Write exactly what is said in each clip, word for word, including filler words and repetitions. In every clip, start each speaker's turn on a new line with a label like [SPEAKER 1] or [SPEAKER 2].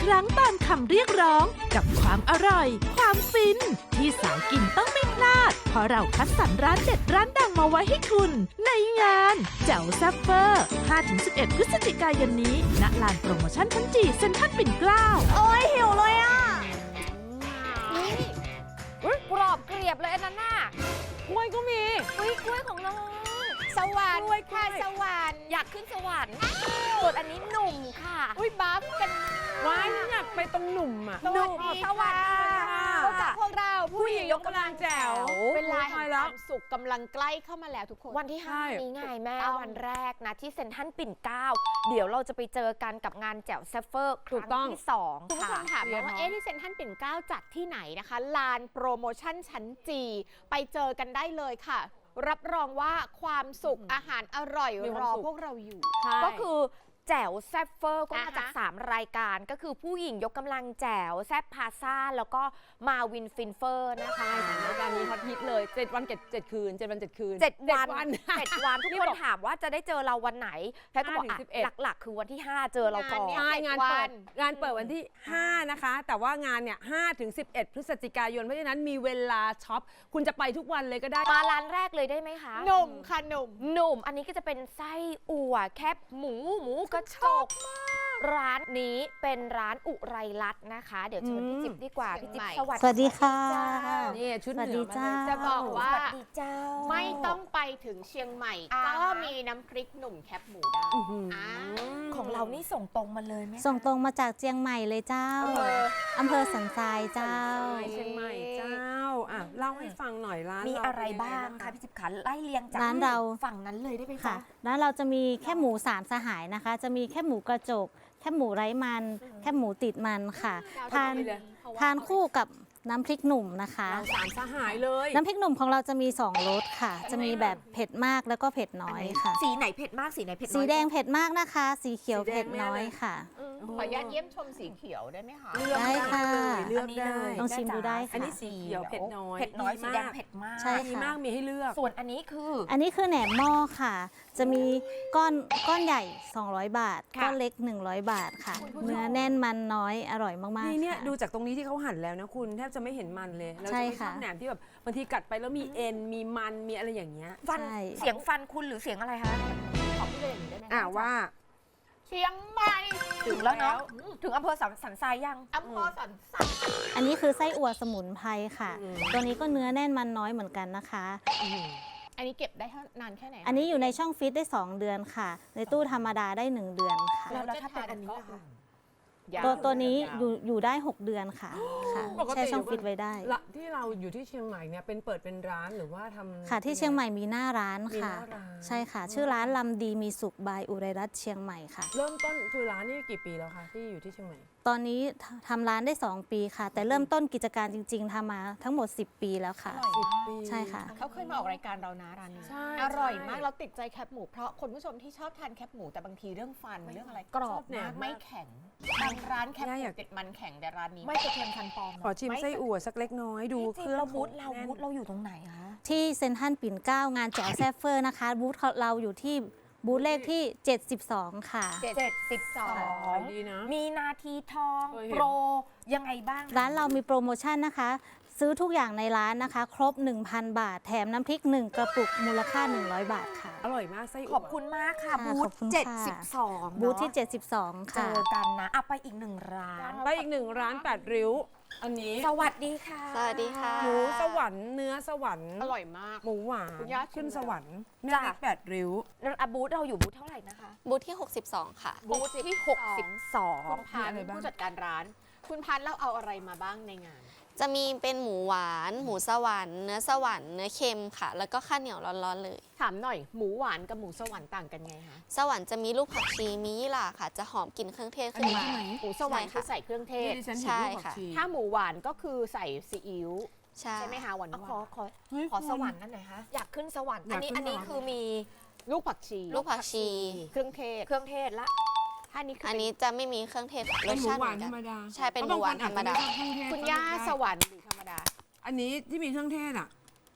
[SPEAKER 1] รั้งตามคำเรียกร้องกับความอร่อย ความฟิน ที่สายกินต้องไม่พลาด เพราะเราคัดสรรร้านเด็ดร้านดังมาไว้ให้คุณ ในงานแจ๋วแซ่บเฟอร์ ห้าถึงสิบเอ็ด พฤศจิกายนนี้ณลานโปรโมชั่นชั้นจีเซ็นทรัลปิ่นเกล้า
[SPEAKER 2] โอ้ยหิวเลยอ่ะนี่อุ๊ยกรอบเกรียบเลยอันนั้นน่ะ
[SPEAKER 3] กล้วยก็มี
[SPEAKER 2] อุ้ยกล้วยของน้องสวรรค์
[SPEAKER 3] กล้วยกล้
[SPEAKER 2] ค่ะ
[SPEAKER 3] วย
[SPEAKER 2] สวรรค์อยากขึ้นสวรรค์ส่วนอันนี้หนุ่มค่ะ อุ้ยบัฟกัน
[SPEAKER 3] ว้ายอยากไปตรงหนุ่มอ่ะ
[SPEAKER 2] สวัสดี
[SPEAKER 3] สวัสดีค่ะ
[SPEAKER 2] พบกับพวกเรา
[SPEAKER 3] ผู้หญิงยกกำลังแจ๋ว
[SPEAKER 2] เวลา
[SPEAKER 3] โอ้
[SPEAKER 2] แห่
[SPEAKER 3] ย
[SPEAKER 2] ง
[SPEAKER 3] แล้
[SPEAKER 2] คว วามสุขกำลังใกล้เข้ามาแล้วทุกคน วันที่
[SPEAKER 3] ใช่
[SPEAKER 2] ห้านี้ไงแม่
[SPEAKER 3] ต้อง
[SPEAKER 2] วันแรกนะที่เซ็นทรัลปิ่นเกล้าเดี๋ยวเราจะไปเจอกันกับงานแจ๋วแซฟเฟอร์ค
[SPEAKER 3] ถูก
[SPEAKER 2] รั้
[SPEAKER 3] ต้อง
[SPEAKER 2] งที่สอง
[SPEAKER 4] คุณผู้ช
[SPEAKER 2] ค่ะ
[SPEAKER 4] มถามมาว่า
[SPEAKER 3] เรียน
[SPEAKER 4] เอ๊ะที่เซ็นทรัลปิ่นเกล้าจัดที่ไหนนะคะลานโปรโมชั่นชั้นจีไปเจอกันได้เลยค่ะ รับรองว่าความสุขอาหารอร่อย
[SPEAKER 3] มีค
[SPEAKER 4] ร
[SPEAKER 3] วาม
[SPEAKER 4] อ
[SPEAKER 3] สุข
[SPEAKER 4] พวกเราอยู่
[SPEAKER 3] ใช่
[SPEAKER 2] ก็คือแจ๋วแซฟเฟอร์ก็มา
[SPEAKER 4] อ่าฮะ
[SPEAKER 2] จาก สาม รายการก็คือผู้หญิงยกกำลังแจ๋วแซบพาซ่าแล้วก็มาวินฟินเฟอร์นะคะ
[SPEAKER 3] รายการนี้ฮอตฮิตเลยเจ็ดวันเจ็ดเจ็ดคืนเจ็ดวันเจ็ดคืน
[SPEAKER 2] เจ็ดวัน
[SPEAKER 3] วัน
[SPEAKER 2] เจ็ดวันทุก
[SPEAKER 3] นี่
[SPEAKER 2] คน
[SPEAKER 3] บอก
[SPEAKER 2] ถามว่าจะได้เจอเราวันไหนแพทย์ก็บอก
[SPEAKER 3] ห้าถึง
[SPEAKER 2] อ่ะ
[SPEAKER 3] สิบเอ็ด
[SPEAKER 2] หลักๆ คือวันที่ ห้า เจอเราก่อน
[SPEAKER 4] งานเนี่ย
[SPEAKER 3] ใช่งานเปิด
[SPEAKER 4] เจ็ดวัน
[SPEAKER 3] งานเปิดวันที่ ห้า นะคะ แต่ว่างานเนี่ยห้าถึงสิบเอ็ด พฤศจิกายน เพราะฉะนั้นมีเวลาช็อป คุณจะไปทุกวันเลยก็ได้
[SPEAKER 2] มาร้านแรกเลยได้ไหมคะ
[SPEAKER 4] หนุ่มค่ะหนุ่ม
[SPEAKER 2] หนุ่มอันนี้ก็จะเป็นไส้อั่วแคบหมูหมูกระจกร้านนี้เป็นร้านอุไรรัตน์นะคะ เดี๋ยวเชิญพี่
[SPEAKER 3] อืม
[SPEAKER 2] จิ๊บดีกว่า
[SPEAKER 4] เชี
[SPEAKER 2] พี่
[SPEAKER 4] ยง
[SPEAKER 2] จิ๊บ
[SPEAKER 4] ใหม่
[SPEAKER 2] สวัสดี
[SPEAKER 5] สวัสดีค่ะ
[SPEAKER 2] เจ้า
[SPEAKER 3] นี่ชุด
[SPEAKER 5] สวัส
[SPEAKER 3] เหนื
[SPEAKER 5] ดี
[SPEAKER 3] อมา
[SPEAKER 5] เจ้า
[SPEAKER 3] เลย
[SPEAKER 4] จะบอกว่า
[SPEAKER 2] สวัสดีเจ้า
[SPEAKER 4] ไม่ต้องไปถึงเชียงใหม่
[SPEAKER 2] อ่า
[SPEAKER 4] ก็มีน้ำพริกหนุ่มแคบหมูได้
[SPEAKER 3] อื้อหือ
[SPEAKER 4] อ่า
[SPEAKER 2] ของเรานี่ส่งตรงมาเลยไหมคะ
[SPEAKER 5] ส่งตรงมาจากเจียงใหม่เลยเจ้า
[SPEAKER 4] อำเภอ
[SPEAKER 5] อำเภอสันทรายเจ้า
[SPEAKER 3] เชียงใหม่เจ้าอ่ะเล่าให้ฟังหน่อยร้าน
[SPEAKER 2] มี
[SPEAKER 3] เา
[SPEAKER 2] อะไร
[SPEAKER 3] เป็นยั
[SPEAKER 2] บ้าง
[SPEAKER 3] ไ
[SPEAKER 2] คะพี่จิ๊บขาไล่เรียงจาก
[SPEAKER 5] ร้านเรา
[SPEAKER 2] ฝั่งนั้นเลยได้ไหม
[SPEAKER 5] ค่ะ
[SPEAKER 2] คะ
[SPEAKER 5] ร้านเราจะมีแค่หมูสามสหายนะคะ จะมีแค่หมูกระจก แค่หมูไร้มัน แค่หมูติดมันค่ะ ทาน
[SPEAKER 3] ดีเลย
[SPEAKER 5] ทานคู่กับน้ำพริกหนุ่มนะคะ
[SPEAKER 3] เราสามสหายเลย
[SPEAKER 5] น้ำพริกหนุ่มของเราจะมีสองรสค่ะ จะมีแบบเผ็ดมากแล้วก็เผ็ดน้อยค่ะ
[SPEAKER 2] สีไหนเผ็ดมากสีไหนเผ็ดน้อย
[SPEAKER 5] สีแดงเผ็ดมากนะคะ สีเขียวเผ็ดน้อยค่ะ
[SPEAKER 4] ขออนุญาตเยี่ยมชมสีเขียวได้ไหมคะ
[SPEAKER 3] เลือก
[SPEAKER 5] ได้ค่ะ
[SPEAKER 3] เลยเลือก
[SPEAKER 2] นนี้
[SPEAKER 3] ได้
[SPEAKER 2] เลย
[SPEAKER 5] ลองชิมดูได้ค่ะ
[SPEAKER 3] อันนี้สีเขียวเผ็ดน้อย
[SPEAKER 2] เผ็ดน้อย
[SPEAKER 3] ดี
[SPEAKER 2] สี
[SPEAKER 3] มาก
[SPEAKER 2] แดงเผ็ดมาก
[SPEAKER 5] ใช่
[SPEAKER 3] ดีมากมีให้เลือก
[SPEAKER 2] ส่วนอันนี้คือ
[SPEAKER 5] อันนี้คือแหนมหม้อค่ะ จะมีก้อนก้อนใหญ่ สองร้อย บาท
[SPEAKER 2] ค่ะ
[SPEAKER 5] ก้อนเล็ก หนึ่งร้อย บาทค่ะ เนื้อแน่นมันน้อยอร่อยมากๆ
[SPEAKER 3] นี่เนี่ย
[SPEAKER 5] ค่ะ
[SPEAKER 3] ดูจากตรงนี้ที่เขาหั่นแล้วนะคุณแทบจะไม่เห็นมันเลยเรา
[SPEAKER 5] ใช่
[SPEAKER 3] จะไม่ช
[SPEAKER 5] ค่ะ
[SPEAKER 3] อบแหนมที่แบบบางทีกัดไปแล้วมีเอ็นมีมันมีอะไรอย่างเงี้ย
[SPEAKER 2] ฟัน
[SPEAKER 5] ใช่
[SPEAKER 2] เสียงฟันคุณหรือเสียงอะไรคะ
[SPEAKER 4] ขอพี่เลนได้ไหมคะ
[SPEAKER 3] อ่าว่า
[SPEAKER 4] เชียงใหม่
[SPEAKER 2] ถึงแล้วเนาะถึงอำเภอสันสันทรายยัง
[SPEAKER 4] อำเภอสันทราย
[SPEAKER 5] อันนี้คือไส้อั่วสมุนไพรค่ะ
[SPEAKER 3] อืม
[SPEAKER 5] ตัวนี้ก็เนื้อแน่นมันน้อยเหมือนกันนะคะ
[SPEAKER 4] อันนี้เก็บได้เท่านานแค่ไหนคะ
[SPEAKER 5] อันนี้อยู่ในช่องฟิตได้ สอง เดือนค่ะ ในตู้ธรรมดาได้ หนึ่ง เดือนค่ะ
[SPEAKER 2] แล้วแล้วถ้าเป็นอันนี้ล่ะคะ
[SPEAKER 4] ยา
[SPEAKER 5] ตัวตัวนี้อยู่อยู่ได้ หก เดือนค่ะค่ะ
[SPEAKER 3] ปกติ
[SPEAKER 5] แช่ช่องฟิตไว้ได้
[SPEAKER 3] ละที่เราอยู่ที่เชียงใหม่เนี่ยเป็นเปิดเป็นร้านหรือว่าทำ
[SPEAKER 5] ค่ะที่เชียงใหม่มีหน้าร้าน
[SPEAKER 3] มีห
[SPEAKER 5] ค่ะ
[SPEAKER 3] น้าร้าน
[SPEAKER 5] ใช่ค่ะ ชื่อร้านลำดีมีสุขบายอุไรรัตน์เชียงใหม่ค่ะ
[SPEAKER 3] เริ่มต้นคือร้านนี่กี่ปีแล้วคะที่อยู่ที่เชียงใหม่
[SPEAKER 5] ตอนนี้ททำร้านได้ สอง ปีค่ะ แต่เริ่มต้นกิจการจริง ๆทำมาทั้งหมด สิบ ปีแล้วค่ะ
[SPEAKER 3] สิบปี
[SPEAKER 5] ใช่ค่ะ
[SPEAKER 4] เขาเคยมาออกรายการเรานะร้านนี้
[SPEAKER 3] ใช่
[SPEAKER 4] อร่อย
[SPEAKER 3] ใช่
[SPEAKER 4] มากเราติดใจแคบหมูเพราะคนผู้ชมที่ชอบทานแคบหมูแต่บางทีเรื่องฟันเรื่องอะไรกรอบ
[SPEAKER 3] ชอบแหน
[SPEAKER 4] มาม ก
[SPEAKER 3] มาก
[SPEAKER 4] ไม่แข็งบางร้านแคบห
[SPEAKER 3] ย่า
[SPEAKER 4] มู
[SPEAKER 3] อยาก
[SPEAKER 4] ติดมันแข็งแต่ร้านนี้ไม่กระเทือนคันปองนะ
[SPEAKER 3] ขอชิมไส้อั่วสักเล็กน้อยดู
[SPEAKER 2] จริ
[SPEAKER 3] เค
[SPEAKER 2] ง
[SPEAKER 3] รื่อง
[SPEAKER 2] เราบูธเรา
[SPEAKER 3] แน่น
[SPEAKER 2] บูธเราอยู่ตรงไหนคะ
[SPEAKER 5] ที่เซ็นทรัลปิ่นเกล้างานแจ๋วแซฟเฟอร์นะคะ บูธเราอยู่ที่บูธเลขที่ เจ็ดสิบสอง ค่ะ
[SPEAKER 2] เจ็ดสิบสอ
[SPEAKER 3] ขาง ยดีนะ
[SPEAKER 2] มีนาทีทอง
[SPEAKER 3] เคยเห็น
[SPEAKER 2] โปรยังไงบ้างคะ
[SPEAKER 5] ร้านเรามีโปรโมชั่นนะคะ ซื้อทุกอย่างในร้านนะคะ ครบ หนึ่งพัน บาท แถมน้ำพริก หนึ่ง กระปุกมูลค่า หนึ่งร้อย บาทค่ะ
[SPEAKER 3] อร่อยมากไส้อั่ว
[SPEAKER 2] ขอบคุณมากค่ะ
[SPEAKER 5] ค่ะ
[SPEAKER 2] บู
[SPEAKER 5] ข
[SPEAKER 2] ธ
[SPEAKER 5] อบคุณค่ะ
[SPEAKER 2] เจ็ดสิบสอง
[SPEAKER 5] บูธที่
[SPEAKER 2] เนอะ
[SPEAKER 5] เจ็ดสิบสอง
[SPEAKER 2] เจ
[SPEAKER 5] ค่ะ
[SPEAKER 2] อกันนะอ่ะไปอีกหนึ่งร้าน
[SPEAKER 3] ไปอีกหนึ่งร้านแปดริ้ว อันนี้
[SPEAKER 2] สวัสดีค่ะ
[SPEAKER 5] สวัสดีค่ะ
[SPEAKER 3] หมูสวรรค์เนื้อสวรรค์
[SPEAKER 4] อร่อยมาก
[SPEAKER 3] หมูหวาน
[SPEAKER 4] คุณย่าชิม
[SPEAKER 3] ขึ้นสวรรค์เนื้อ
[SPEAKER 2] จ้ะ
[SPEAKER 3] เล็กแปดริ้ว
[SPEAKER 2] แล้วอ่ะบูธเราอยู่บูธเท่าไหร่นะคะ
[SPEAKER 5] บูธที่ หกสิบสอง ค่ะ
[SPEAKER 2] บูธที่หกสิบสอง
[SPEAKER 4] คุณพัน
[SPEAKER 3] มีอะไรบ้าง
[SPEAKER 4] ผู้จัดการร้าน คุณพันเราเอาอะไรมาบ้างในงาน
[SPEAKER 6] จะมีเป็นหมูหวาน หมูสวรรค์ เนื้อสวรรค์ เนื้อเค็มค่ะ แล้วก็ข้าวเหนียวร้อนๆเลย
[SPEAKER 4] ถามหน่อยหมูหวานกับหมูสวรรค์ต่างกันไงคะ
[SPEAKER 6] สวรรค์จะมีลูกผักชี มียี่หร่าค่ะ จะหอมกลิ่นเครื่องเทศขึ้นมา
[SPEAKER 4] หมูสวรรค์
[SPEAKER 6] ใช่
[SPEAKER 4] คือ
[SPEAKER 6] ค่ะ
[SPEAKER 4] ใส่เครื่องเทศ
[SPEAKER 3] ที่ดิฉันเห็น
[SPEAKER 6] ใช่
[SPEAKER 3] รูปผัก
[SPEAKER 6] ค่ะ
[SPEAKER 3] ชี
[SPEAKER 4] ถ้าหมูหวานก็คือใส่ซีอิ๊ว
[SPEAKER 6] ใช่
[SPEAKER 4] ใช่ไหมคะหวาน
[SPEAKER 2] อ่ะ
[SPEAKER 4] ห
[SPEAKER 2] ขอ
[SPEAKER 4] วาน
[SPEAKER 2] ขอ
[SPEAKER 3] เฮ้ย
[SPEAKER 2] ขอ
[SPEAKER 3] คุณ
[SPEAKER 2] สวรรค์นั่นหน่อยคะอยากขึ้นสวรรค์
[SPEAKER 3] อยาก
[SPEAKER 2] อันนี้
[SPEAKER 3] ขึ้น
[SPEAKER 2] อันนี้
[SPEAKER 3] สวรรค์
[SPEAKER 2] คือมี
[SPEAKER 4] ลูกผักชี
[SPEAKER 6] ลูกผักชี
[SPEAKER 4] เครื่องเทศ
[SPEAKER 2] เครื่องเทศละ
[SPEAKER 4] ถ้านี้คือ
[SPEAKER 6] อั
[SPEAKER 4] อั
[SPEAKER 6] นนี้จะไม่มีเครื่องเทศค่ะร
[SPEAKER 3] เป็น
[SPEAKER 6] ส
[SPEAKER 3] หมู
[SPEAKER 6] ชาติ
[SPEAKER 3] ห
[SPEAKER 6] เห
[SPEAKER 3] วา
[SPEAKER 6] มื
[SPEAKER 3] น
[SPEAKER 6] อน
[SPEAKER 3] ธ
[SPEAKER 6] กั
[SPEAKER 3] รรม
[SPEAKER 6] น
[SPEAKER 3] ดา
[SPEAKER 6] ใช่เป็น
[SPEAKER 3] พะบง
[SPEAKER 6] หมูหวาน
[SPEAKER 3] คอจจะ
[SPEAKER 6] ธรรมดา
[SPEAKER 3] ไชอบเคองเทศ
[SPEAKER 4] คุณย่า
[SPEAKER 3] ก็ได้
[SPEAKER 4] สวรรค์หรือธรรมดา
[SPEAKER 3] อันนี้ที่มีเครื่องเทศอ่ะ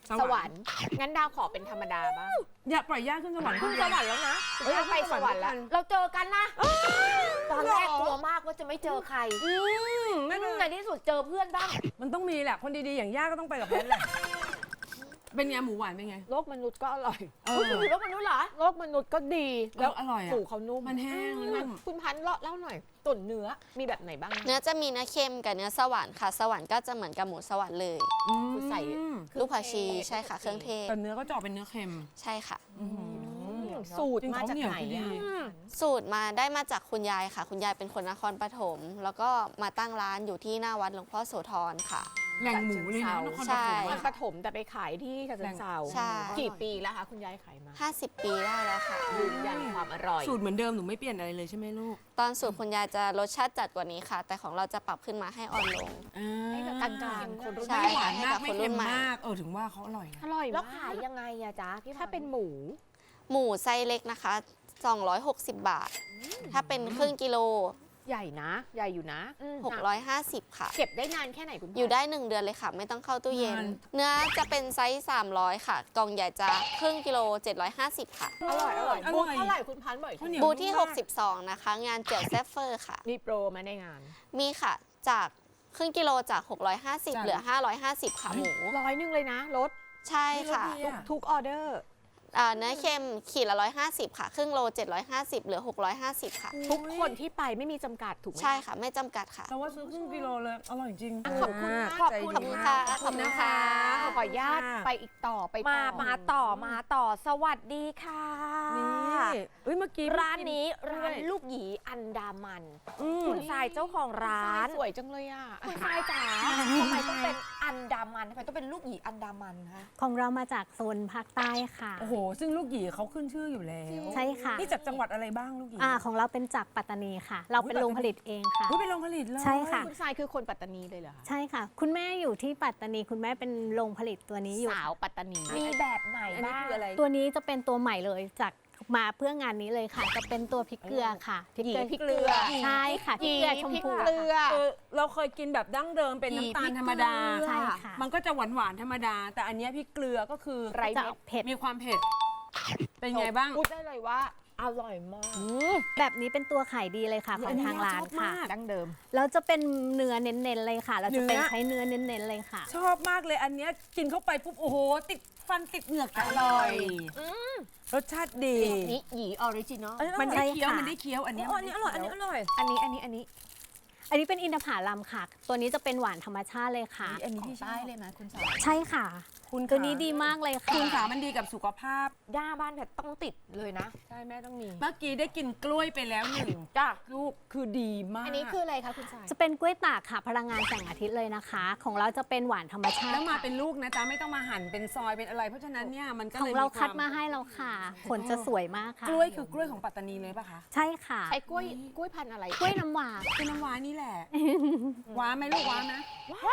[SPEAKER 4] สวรรค์งั้นดาวขอเป็นธรรมดาบ้าง
[SPEAKER 3] อย่าปล่อยย่าขึ้นสวรรค์
[SPEAKER 4] ขึ้นสวรรค์แล้วนะ
[SPEAKER 3] เอ้ย
[SPEAKER 4] ย่าไปสวรรค์แล้ว
[SPEAKER 3] ขึ้นสวรรค์
[SPEAKER 2] เราเจอกันนะ ตอนแรกกลัวมากว่าจะไม่เจอใคร
[SPEAKER 3] อืมไม่เป็น
[SPEAKER 2] ใน
[SPEAKER 3] ไร
[SPEAKER 2] ที่สุดเจอเพื่อนบ้าง
[SPEAKER 3] มันต้องมีแหละคนดีๆอย่างย่าก็ต้องไปกับแพทแหละเป็นไงหมูหวานเป็นไง
[SPEAKER 4] โลกมนุษย์ก็อร่อย
[SPEAKER 3] เอ
[SPEAKER 2] อุ๊
[SPEAKER 3] อย
[SPEAKER 2] คุณอยู่โลกมนุษย์เหรอ
[SPEAKER 4] โลกมนุษย์ก็ดี
[SPEAKER 3] แล้วอร่อยอ่ะ
[SPEAKER 4] สูเขานุ่ม
[SPEAKER 3] มันแห้งแล้วนุ่ม
[SPEAKER 4] คุณพันธุ์เล่าเล่าหน่อยตุ๋นเนื้อมีแบบไหนบ้างนะ
[SPEAKER 6] เนื้อจะมีเนื้อเค็มกับเนื้อสวรรค์ค่ะ สวรรค์ก็จะเหมือนกับหมูสวรรค์เลย
[SPEAKER 4] คือใส่
[SPEAKER 3] อืม
[SPEAKER 6] ลูกผักชีใช่ค่ะเครื่องเทศ
[SPEAKER 3] แต่เนื้อก็จะออกเป็นเนื้อเค็ม
[SPEAKER 6] ใช่ค่ะ
[SPEAKER 4] สูตรมาจากไหน
[SPEAKER 3] จริงๆ
[SPEAKER 4] อะ
[SPEAKER 3] เขาเหนียวดี
[SPEAKER 6] สูตรมาได้มาจากคุณยายค่ะ คุณยายเป็นคนนครปฐมแล้วก็มาตั้งร้านอยู่ที่หน้าวัดหลวงพ่อโสธรค่ะ
[SPEAKER 3] แหล่งหมูเลยนะนครป
[SPEAKER 6] ใช่
[SPEAKER 3] ฐม
[SPEAKER 4] นคร
[SPEAKER 3] อะ
[SPEAKER 4] ปฐมแต่ไปขายที่ฉะเชิงเทรา
[SPEAKER 6] ใช่
[SPEAKER 4] กี่ปีแล้วคะคุณยายขายมา
[SPEAKER 6] ห้าสิบปีได้แล้วค่ะ
[SPEAKER 4] ยืนยันความอร่อย
[SPEAKER 3] สูตรเหมือนเดิมหนูไม่เปลี่ยนอะไรเลยใช่ไหมลูก
[SPEAKER 6] ตอนสูตรคุณยายจะรสชาติจัดกว่านี้ค่ะ แต่ของเราจะปรับขึ้นมาให้อ่อนลง
[SPEAKER 4] ให้กับกลางๆคนรุ่น
[SPEAKER 6] ใช่
[SPEAKER 3] ไม่หวาน
[SPEAKER 6] ให้
[SPEAKER 3] มา
[SPEAKER 6] กั
[SPEAKER 3] ก
[SPEAKER 6] บ
[SPEAKER 3] ไม่
[SPEAKER 6] คนรุ่
[SPEAKER 3] เค็
[SPEAKER 6] น
[SPEAKER 3] ม
[SPEAKER 6] ใหม่
[SPEAKER 3] มากเออถึงว่าเขาอร่อยนะ
[SPEAKER 4] อร่อย
[SPEAKER 2] แล้ว
[SPEAKER 4] มาก
[SPEAKER 2] ขายยังไงอะจ๊ะพี่
[SPEAKER 4] ถ้าเป็นหมู
[SPEAKER 6] หมูไซส์เล็กนะคะสองร้อยหกสิบบาท ถ้าเป็นครึ่งกิโล
[SPEAKER 4] ใหญ่นะ ใหญ่อยู่นะ
[SPEAKER 6] หกร้อยห้าสิบค่ะ
[SPEAKER 4] เก็บได้นานแค่ไหนคุณพ่
[SPEAKER 6] อยู่ได้หนึ่งเดือนเลยค่ะ ไม่ต้องเข้าตู้เย็น
[SPEAKER 3] นาน
[SPEAKER 6] เนื้อจะเป็นไซส์สามร้อยค่ะ กล่องใหญ่จะครึ่งกิโลเจ็ดร้อยห้าสิบค่ะ
[SPEAKER 4] อร่อยอร่อย
[SPEAKER 3] อร่อย
[SPEAKER 4] บูธเท่าไหร่คุณพันธุ์บ่อย
[SPEAKER 3] ข้าวเหนียว
[SPEAKER 6] บูธที่
[SPEAKER 3] นุ่มมาก
[SPEAKER 6] หกสิบสอง นะคะ งานเจียวแซฟเฟอร์ค่ะ
[SPEAKER 4] มีโปรมาในงาน
[SPEAKER 6] มีค่ะ จากครึ่งกิโลจาก หกร้อยห้าสิบ
[SPEAKER 3] จ้ะ
[SPEAKER 6] เหลือ ห้าร้อยห้าสิบ ค่ะหมู
[SPEAKER 4] ร้อยหนึงเลยนะลด
[SPEAKER 6] ใช่ค่ะ
[SPEAKER 3] ไม่ลดดีอะ
[SPEAKER 4] ทุกออเดอร์
[SPEAKER 6] อ่าเนื้อเค็มขีดละร้อยห้าสิบค่ะ ครึ่งโลเจ็ดร้อยห้าสิบเหลือหกร้อยห้าสิบค่ะ
[SPEAKER 4] ทุกคนที่ไปไม่มีจำกัดถูกไหม
[SPEAKER 6] ใช่ค่ะ ไม่จำกัดค่ะ
[SPEAKER 3] แต่ว่าซื้อครึ่งกิโลเลย อร่อยจริง
[SPEAKER 4] ขอบคุณมาก
[SPEAKER 3] ขอบ
[SPEAKER 6] ขอบ
[SPEAKER 3] คุ
[SPEAKER 6] คุณ ณค่ะ
[SPEAKER 3] ขอบคุณนะคะ
[SPEAKER 4] ขออนุญาตไปอีกต่อไป
[SPEAKER 2] มา
[SPEAKER 4] ต่อ
[SPEAKER 2] มาต่อมาต่อสวัสดีค่ะ
[SPEAKER 3] นี่เอ้ยเมื่อกี้
[SPEAKER 2] ร้านนี้
[SPEAKER 3] เพิ่ง
[SPEAKER 2] ร้าน
[SPEAKER 3] กิ
[SPEAKER 2] ลูกหยีอันดามัน
[SPEAKER 3] อืม
[SPEAKER 2] คุณทรายเจ้าของร้าน
[SPEAKER 4] สวยจังเลยอ่ะ
[SPEAKER 2] คุณทรายจ๋าทำไมต้องเป็นอันดามันทำไมต้องเป็นลูกหยีอันดามันคะ
[SPEAKER 5] ของเรามาจากโซนภาคใต้ค่ะ
[SPEAKER 3] โอ้โห ซึ่งลูกหยีเขาขึ้นชื่ออยู่แล้ว
[SPEAKER 5] ใช่ค่ะ
[SPEAKER 3] นี่จากจังหวัดอะไรบ้างลูกหยี
[SPEAKER 5] อ่าของเราเป็นจากปัตตานีค่ะ เราเป็นโรงผลิตเองค่ะ
[SPEAKER 3] อุ๊ยเป็นโรงผลิตเลย
[SPEAKER 5] ใช่ค่ะ
[SPEAKER 4] คุณทรายคือคนปัตตานีเลยเหรอคะ
[SPEAKER 5] ใช่ค่ะ คุณแม่อยู่ที่ปัตตานีคุณแม่เป็นโรงผลิตตัวนี้อยู่
[SPEAKER 4] สาวปัตตานี
[SPEAKER 2] มีแบบไหน
[SPEAKER 3] อันนี้
[SPEAKER 2] บ้าง
[SPEAKER 3] คืออะไร
[SPEAKER 5] ตัวนี้จะเป็นตัวใหม่เลยจากมาเพื่องานนี้เลยค่ะ จะเป็นตัวพริกเกลือค่ะพริกเกลือ
[SPEAKER 4] พริกเกลือ
[SPEAKER 5] ใช่ค่ะพริกเกลือชมพู
[SPEAKER 4] พริกเกลือ
[SPEAKER 3] คือเราเคยกินแบบดั้งเดิมเป็นน้ำตาลธรรมดา
[SPEAKER 5] ใช่ค่ะ
[SPEAKER 3] มันก็จะหวานหวานๆธรรมดา แต่อันเนี้ยพริกเกลือก็คือ
[SPEAKER 4] ไร
[SPEAKER 5] จะ
[SPEAKER 4] เม็
[SPEAKER 5] อ
[SPEAKER 4] ด
[SPEAKER 5] อกเผ็ด
[SPEAKER 3] มีความเผ็ด เป็นไงบ้าง
[SPEAKER 4] พูดได้เลยว่าอร่อยมาก
[SPEAKER 5] แบบนี้เป็นตัวขายดีเลยค่ะของทางร้านค่ะ
[SPEAKER 4] ดั้งเดิม
[SPEAKER 5] แล้วจะเป็นเนื้อเน้นๆเลยค่ะ เราจะเป็น
[SPEAKER 3] เนื้อ
[SPEAKER 5] ใช้เนื้อเน้นๆเลยค่ะ
[SPEAKER 3] ชอบมากเลยอันเนี้ยกินเข้าไปปุ๊บ โอ้โห ติดฟันติดเหงือกอร่อยรสชาติดี
[SPEAKER 4] นี่หยีออริจินอล
[SPEAKER 3] มันได้เคี้ยว
[SPEAKER 5] ใช่ค่ะ
[SPEAKER 3] มันได้เคี้ยวอันเนี้ย
[SPEAKER 2] อันนี้อร่อย อันนี้อร่อย
[SPEAKER 4] อันนี้อันนี้อันนี้
[SPEAKER 5] อันนี้เป็นอินทผลัมค่ะ ตัวนี้จะเป็นหวานธรรมชาติเลยค่ะ
[SPEAKER 3] อันนี้พี่ชอบ
[SPEAKER 4] ใต้เลยนะคุณสาว
[SPEAKER 5] ใช่ค่ะ
[SPEAKER 3] คุณ
[SPEAKER 5] ตัวนี้ดีมากเลยค่ะ
[SPEAKER 3] คุณขามันดีกับสุขภาพ
[SPEAKER 2] ย่าบ้านเนี่ยต้องติดเลยนะ
[SPEAKER 3] ใช่แม่ต้องมี เมื่อกี้ได้กินกล้วยไปแล้วหนึ่ง
[SPEAKER 2] จ้ะ
[SPEAKER 3] ลูกคือดีมาก
[SPEAKER 4] อันนี้คืออะไรคะคุณสาย
[SPEAKER 5] จะเป็นกล้วยตากค่ะ พลังงานแสงอาทิตย์เลยนะคะ ของเราจะเป็นหวานธรรมชาติ
[SPEAKER 3] แล้วมา
[SPEAKER 5] ค่ะ
[SPEAKER 3] เป็นลูกนะจ๊ะไม่ต้องมาหั่นเป็นซอยเป็นอะไร เพราะฉะนั้นเนี่ยมันก็
[SPEAKER 5] ขอ
[SPEAKER 3] เล
[SPEAKER 5] ง
[SPEAKER 3] ย
[SPEAKER 5] เรา
[SPEAKER 3] มี
[SPEAKER 5] คัด
[SPEAKER 3] ว
[SPEAKER 5] มาให้เราค่ะ ผลจะสวยมากค่ะ
[SPEAKER 3] กล้วยคือกล้วยของปัตตานีเลยป่ะคะ
[SPEAKER 5] ใช่ค่ะ
[SPEAKER 4] ใช้กล้วยกล้วยพันธุ์อะไร
[SPEAKER 5] กล้วยน้ำหวาน
[SPEAKER 3] เป็นน้ำว้านี่แหละ ว้าไหมลูกว้านะ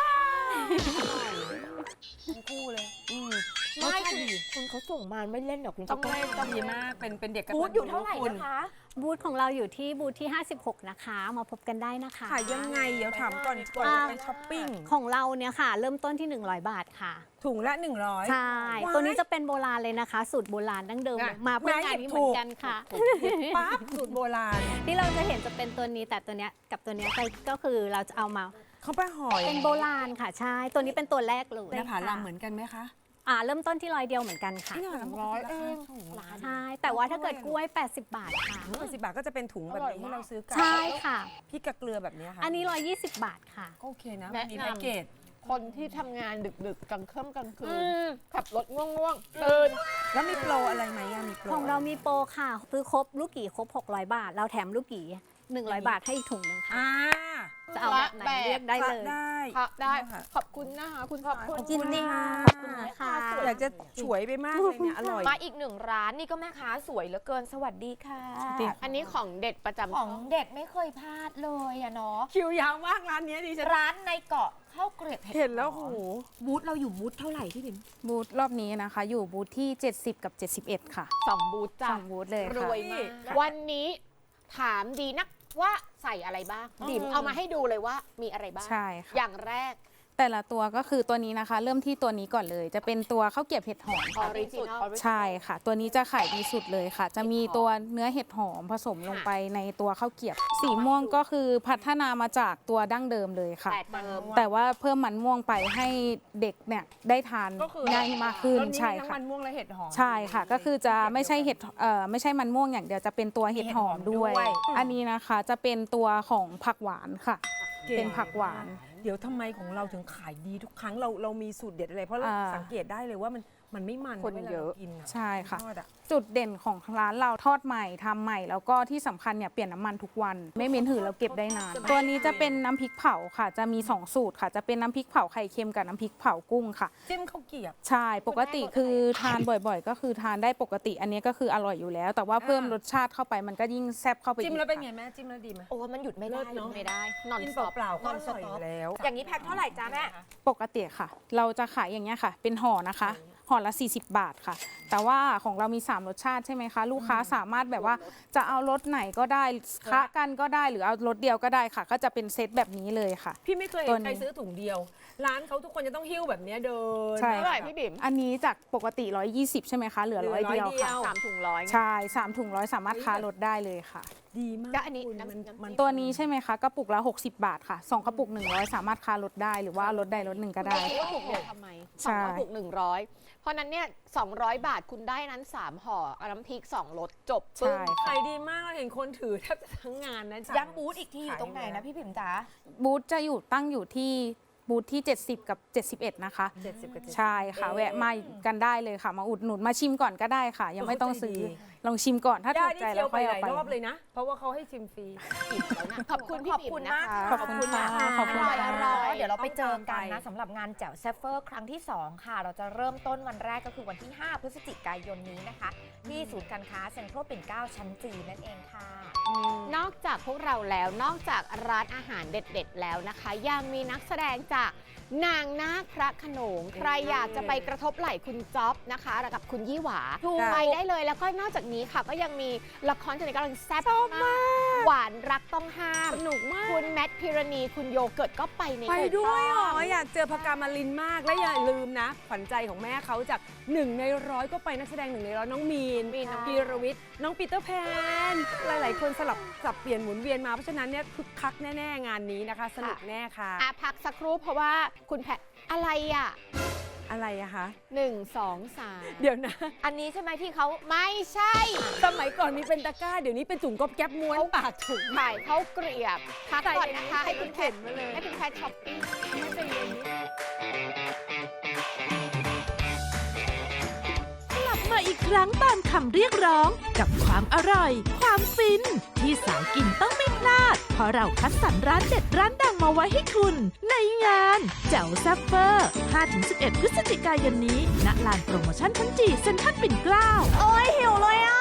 [SPEAKER 3] ทั้งคู่เลยอืมรส
[SPEAKER 2] ไม่
[SPEAKER 3] ชาติ
[SPEAKER 2] คุณ
[SPEAKER 3] ดี
[SPEAKER 2] คุณเขาส่งมาไม่เล่นหรอกคุณ
[SPEAKER 3] ต้องเล่นต้องดีมากเป็นเป็นเด็กกระ
[SPEAKER 2] บู
[SPEAKER 3] ตั
[SPEAKER 2] ธ
[SPEAKER 3] น
[SPEAKER 2] อยู่เท่าไหร่
[SPEAKER 3] คุณ
[SPEAKER 2] นะคะ
[SPEAKER 5] บูธของเราอยู่ที่บูธที่ ห้าสิบหก นะคะ มาพบกันได้นะคะ
[SPEAKER 3] ขายยังไงเดี๋ยวถามก่อนก่อนจะไปช้อปปิ้ง
[SPEAKER 5] ของเราเนี่ยค่ะ เริ่มต้นที่ หนึ่งร้อย บาทค่ะ
[SPEAKER 3] ถุงละหนึ่งร้อย
[SPEAKER 5] ใช่
[SPEAKER 3] ว้าย
[SPEAKER 5] ตัวนี้จะเป็นโบราณเลยนะคะ สูตรโบราณดั้งเดิม
[SPEAKER 3] อ่ะ
[SPEAKER 5] มาเพื่องานนี้เหมือนกันค่ะ
[SPEAKER 3] ปั๊บสูตรโบราณ
[SPEAKER 5] ที่เราจะเห็นจะเป็นตัวนี้แต่ตัวเนี้ยกับตัวเนี้ยก็ก็คือเราจะเอามา
[SPEAKER 3] เขาไปห่อย
[SPEAKER 5] เป็นโบราณค่ะใช่ ตัวนี้เป็นตัวแรกเลย
[SPEAKER 3] หน้าผาลำเหมือนกันไหมคะ
[SPEAKER 5] อ่าเริ่มต้นที่ร้อยเดียวเหมือนกันค่ะ
[SPEAKER 3] ที่หน้าผาลำร้อยเองถุงละ
[SPEAKER 5] ใช่ แต่ว่าถ้าเกิดกล้วย แปดสิบ บาทค่ะ
[SPEAKER 3] แปดสิบบาทก็จะเป็นถุงแบบนี้ที่เราซื้อกัน
[SPEAKER 5] ใช่ค่ะ
[SPEAKER 3] พริกกับเกลือแบบนี้ค่ะ
[SPEAKER 5] อันนี้ หนึ่งร้อยยี่สิบ บาทค่ะ
[SPEAKER 3] ก็โอเคนะ
[SPEAKER 4] แนะนำ
[SPEAKER 3] มีแพ็กเกจ
[SPEAKER 4] คนที่ทำงานดึกๆกลางค่ำกลางคื
[SPEAKER 2] อื
[SPEAKER 4] น
[SPEAKER 2] ม
[SPEAKER 4] ขับรถง่วงๆตื่น
[SPEAKER 3] แล้วมีโปรอะไรไหมอะมีโปร
[SPEAKER 5] ของเรามีโปรค่ะ ซื้อครบลูกกี่ครบ หกร้อย บาท เราแถมลูกกี่หนึ่งร้อยบาทให้อีกถุงหนึงค่ะ
[SPEAKER 3] อ่า
[SPEAKER 5] จะเอาแบบไหนเลือกได้เลย
[SPEAKER 3] ได้
[SPEAKER 4] ค่ะได้
[SPEAKER 3] ค่ะ
[SPEAKER 4] ขอบคุณนะคะคุณสาย
[SPEAKER 2] ขอบ
[SPEAKER 5] ยินดี
[SPEAKER 3] ค่ะ
[SPEAKER 5] ขอบคุณนะคะ
[SPEAKER 3] อยากจะฉวยไปมากเลยเนี่ยอร่อย
[SPEAKER 2] มาอีกหนึ่งร้านนี่ก็แม่ค้าสวยเหลือเกินสวัสดีค่ะ
[SPEAKER 4] อันนี้ของเด็ดประจำ
[SPEAKER 2] ของเด็ดไม่เคยพลาดเลยอะเนาะ
[SPEAKER 3] คิวยาวมากร้านเนี้ยดิฉัน
[SPEAKER 2] ร้านในเกาะข้าวเกรียบ
[SPEAKER 3] เห็นแล้วโห
[SPEAKER 2] บูธเราอยู่บูธเท่าไหร่พี่บิม
[SPEAKER 7] บูธรอบนี้นะคะ อยู่บูธที่ เจ็ดสิบ กับ เจ็ดสิบเอ็ด ค่ะ
[SPEAKER 4] สองบูธจ้ะ
[SPEAKER 7] สองบูธเลย
[SPEAKER 4] ร
[SPEAKER 7] ค่ะ
[SPEAKER 4] วยมาก วันนี้ถามดีนักว่าใส่อะไรบ้างดิมเอามาให้ดูเลยว่ามีอะไรบ้าง
[SPEAKER 7] ใช่ค่ะ
[SPEAKER 4] อย่างแรก
[SPEAKER 7] แต่ละตัวก็คือตัวนี้นะคะ เริ่มที่ตัวนี้ก่อนเลย จะเป็นตัวข้าวเกรี๊ยวเห็ดหอม
[SPEAKER 4] ออ
[SPEAKER 7] ค่ะ
[SPEAKER 4] ริจินอล
[SPEAKER 7] ใช่ค่ะ ตัวนี้จะขายดีสุดเลยค่ะ จะมีตัวเนื้อเห็ดหอมผสมลงไปในตัวข้าวเกรี๊ยวสีม่วงก็คือพัฒนามาจากตัวดั้งเดิมเลยค่ะ
[SPEAKER 4] แต่เดิม
[SPEAKER 7] แต่ว่าเพิ่มมันม่วงไปให้เด็กเนี่ยได้ทาน
[SPEAKER 3] ก็คือ
[SPEAKER 7] ง่ายมากขึ้น
[SPEAKER 3] รสนี้
[SPEAKER 7] ใช่
[SPEAKER 3] มีทั้ง
[SPEAKER 7] ค่ะ
[SPEAKER 3] มันม่วงและเห็ดหอม
[SPEAKER 7] ใช่ค่ะ ก็คือจะไม่ใช่เห็ดเอ่อไม่ใช่มันม่วงอย่างเดียวจะเป็นตัวเห็ดหอมด้วย
[SPEAKER 3] มีเห็ดหอมด้วย
[SPEAKER 7] อันนี้นะคะจะเป็นตัวของผักหวานค่ะ เป็นผักหวาน
[SPEAKER 3] เดี๋ยวทำไมของเราถึงขายดีทุกครั้งเราเรามีสูตรเด็ดอะไรเพราะเรา
[SPEAKER 7] อ่า
[SPEAKER 3] สังเกตได้เลยว่ามันมันไม่มัน
[SPEAKER 4] คน
[SPEAKER 3] วลา
[SPEAKER 4] เยอะ
[SPEAKER 3] รากินอะ
[SPEAKER 7] ใช่ค่ะ
[SPEAKER 3] ทอดอะ
[SPEAKER 7] จุดเด่นของร้านเราทอดใหม่ทำใหม่ แล้วก็ที่สำคัญเนี่ยเปลี่ยนน้ำมันทุกวัน ไม่เหม็นหืนแล้วเก็บได้นาน ตัวนี้จะเป็นน้ำพริกเผาค่ะ จะมีสองสูตรค่ะ จะเป็นน้ำพริกเผาไข่เค็มกับน้ำพริกเผากุ้งค่ะ
[SPEAKER 3] จิ้มข้าวเกรี๊ยว
[SPEAKER 7] ใช่ ปกติคือทานบ่อยๆ ก็คือทานได้ปกติ อันนี้ก็คืออร่อยอยู่แล้ว แต่ว่าเพิ่มรสชาติเข้าไปมันก็ยิ่งแซ่บเข้าไปอีก
[SPEAKER 3] จิ้มแล้วเป็นไง
[SPEAKER 7] ค่ะ
[SPEAKER 3] แม่จิ้มแล้วดีไหม
[SPEAKER 2] โอ้มันหยุดไม่ได้
[SPEAKER 3] เลิศเนอะ
[SPEAKER 2] ไม่ได้
[SPEAKER 4] นอน
[SPEAKER 3] กิน
[SPEAKER 4] สต็อป
[SPEAKER 3] เปล่าๆก็
[SPEAKER 2] นอน
[SPEAKER 3] อ
[SPEAKER 2] ส
[SPEAKER 3] ร่อย
[SPEAKER 2] ต็
[SPEAKER 3] อ
[SPEAKER 2] อป
[SPEAKER 3] ยู่แล้ว
[SPEAKER 2] อย่างนี้แพ็คเท่าไหร่จ้าแม่
[SPEAKER 7] ปกติค่ะ เราจะขายอย่างเงี้ยค่ะ เป็นห่อนะคะ ห่อละ สี่สิบบาทค่ะ แต่ว่าของเรามี สาม รสชาติใช่ไหมคะ ลูกค้าสามารถแบบว่าจะเอารสไหนก็ได้คะกันก็ได้หรือเอารสเดียวก็ได้ค่ะ ก็จะเป็นเซตแบบนี้เลยค่ะ
[SPEAKER 3] พี่ไม่เคย
[SPEAKER 7] ตั
[SPEAKER 3] เห็
[SPEAKER 7] วน นี้
[SPEAKER 3] ใครซื้อถุงเดียว ร้านเขาทุกคนจะต้องหิ้วแบบเนี้ยเดิน
[SPEAKER 7] ใช่
[SPEAKER 4] เท่าไหร่พี่บิ๋ม
[SPEAKER 7] อันนี้จากปกติ หนึ่งร้อยยี่สิบ ใช่ไหมคะ เหลือ
[SPEAKER 3] เหลือ
[SPEAKER 7] ร้อยเดียว
[SPEAKER 3] ร้อยเดียว
[SPEAKER 7] ค่ะ
[SPEAKER 4] สามถุงร้อย
[SPEAKER 7] ใช่สามถุงร้อยสามารถค้าลดได้เลยค่ะ
[SPEAKER 3] ดีมาก
[SPEAKER 4] ก็อันนี้
[SPEAKER 3] คุณ
[SPEAKER 4] น้ำ
[SPEAKER 3] มัน
[SPEAKER 4] น้ำ
[SPEAKER 3] มัน
[SPEAKER 7] ตัวนี้ใช่ไหมคะกระปุกละ หกสิบบาทค่ะสองกระปุกหนึ่งร้อยสามารถค้าลดได้หรือว่าลดใดลดหนึ่งก็ได้
[SPEAKER 4] คิดว่าถูกเดียวทำไมส
[SPEAKER 7] ใช่
[SPEAKER 4] องกระปุกหนึ่งร้อยเพราะนั้นเนี่ยสองร้อยบาทคุณได้นั้นสามห่อเอาน้ำพริกสองรสจบปึ้ง
[SPEAKER 7] ใช่
[SPEAKER 3] ขายดีมากเราเห็นคนถือแทบจะทั้งงานนะ
[SPEAKER 2] ย้ำบูธอีกทีอยู่ตรงไหนนะพี่ผิมจ๋า
[SPEAKER 7] บูธจะอยู่ตั้งอยู่ที่บูธที่ เจ็ดสิบ กับ เจ็ดสิบเอ็ด นะคะ
[SPEAKER 3] เจ็ดสิบกับเจ็ดสิบ
[SPEAKER 7] ใช่ค่ะ แวะมากันได้เลยค่ะ มาอุดหนุนมาชิมก่อนก็ได้ค่ะ ยังไม่ต้องซื้อ
[SPEAKER 3] ใจดี
[SPEAKER 7] ลองชิมก่อนถ้า
[SPEAKER 3] ย่า
[SPEAKER 7] ถูก
[SPEAKER 3] นี่
[SPEAKER 7] ใจ
[SPEAKER 3] เที่
[SPEAKER 7] แล้
[SPEAKER 3] ยว วไป
[SPEAKER 7] ค่อย
[SPEAKER 3] ห
[SPEAKER 7] เอา
[SPEAKER 3] ลาย
[SPEAKER 7] ไป
[SPEAKER 3] รอบเลยนะ เพราะว่าเขาให้ชิมฟรี
[SPEAKER 4] อิ่มแล้วนะขอบคุณพี่
[SPEAKER 2] ขอบ
[SPEAKER 4] บิ๋
[SPEAKER 2] คุ
[SPEAKER 4] ม
[SPEAKER 2] ณ
[SPEAKER 4] นะ
[SPEAKER 2] มาก
[SPEAKER 4] คะ
[SPEAKER 7] ขอบคุณค่ะขอบคุณ
[SPEAKER 2] อร่อยอ
[SPEAKER 7] ค่ะ
[SPEAKER 2] ร่อยเดี๋ยวเราไปเจอกัน
[SPEAKER 3] ต้องตาม
[SPEAKER 2] นะ
[SPEAKER 3] ไป
[SPEAKER 2] สำหรับงานแจ่วแซฟเฟอร์ครั้งที่ สอง ค่ะ เราจะเริ่มต้นวันแรกก็คือวันที่ ห้า พฤศจิกายนนี้นะคะ ที่ศูนย์การค้าเซ็นทรัลปิ่นเกล้าชั้นจีนั่นเองค่ะ
[SPEAKER 4] นอกจากพวกเราแล้วนอกจากร้านอาหารเด็ดๆแล้วนะคะ ยังมีนักแสดงจากนางนาคพระโขนง ใครอยากจะไปกระทบไหล่คุณจ๊อบนะคะกับคุณยี่หวา
[SPEAKER 2] ถูก
[SPEAKER 4] ไปได้เลยแล้วก็นอกจากนี้ค่ะ ก็ยังมีละครที่กำลังแซ่บมากหวานรักต้องห้าม
[SPEAKER 3] สนุกมาก
[SPEAKER 4] คุณแมทพิรณีคุณโยเกิร์ตก็ไปใน
[SPEAKER 3] ไปด้วยเหรอ
[SPEAKER 4] ถูกต้อง
[SPEAKER 3] อยากเจอพกามาลินมาก และอย่าลืมนะ ขวัญใจของแม่เขาจากหนึ่งในร้อยก็ไปนักแสดงหนึ่งในร้อยน้องมีน
[SPEAKER 4] มีน
[SPEAKER 3] พีรวิทย์ น้องปีเตอร์แพน หลาย ๆ คนสลับสับเปลี่ยนหมุนเวียนมา เพราะฉะนั้นเนี่ยคึกคักแน่ ๆ งานนี้นะคะ สนุกแน่ค่ะ
[SPEAKER 4] อ่ะพักสักครู่เพราะว่าคุณแพทอะไรอ่ะ
[SPEAKER 3] อะไรอะคะ
[SPEAKER 4] หนึ่งสองสาม
[SPEAKER 3] เดี๋ยวนะ
[SPEAKER 2] อันนี้ใช่ไหมที่เขา
[SPEAKER 4] ไม่ใช่
[SPEAKER 3] สมัยก่อนมีเป็นตะกร้า เดี๋ยวนี้เป็นถุงก๊อบแก๊บม้วนปากถุง
[SPEAKER 4] ขายข้าวเกรียบพักก่อนนะคะ
[SPEAKER 3] ใส่
[SPEAKER 4] ให้คุณแพท
[SPEAKER 3] มาเลย
[SPEAKER 4] ให้คุณแพทช้อปปิ้ง
[SPEAKER 3] ไม่ใจเย็นนิด
[SPEAKER 1] กลับมาอีกครั้งตามคำเรียกร้องกับความอร่อย ความฟิน ที่สายกินต้องไม่พลาด เพราะเราคัดสรรร้านเด็ดร้านดังมาไว้ให้คุณ ในงานแจ๋วแซัฟเฟอร์ ห้าถึงสิบเอ็ด พฤศจิกายนนี้ณลานโปรโมชั่นชั้นจีเซ็นทรัลปิ่นเกล้า
[SPEAKER 2] โอ้ยหิวเลยอ่ะ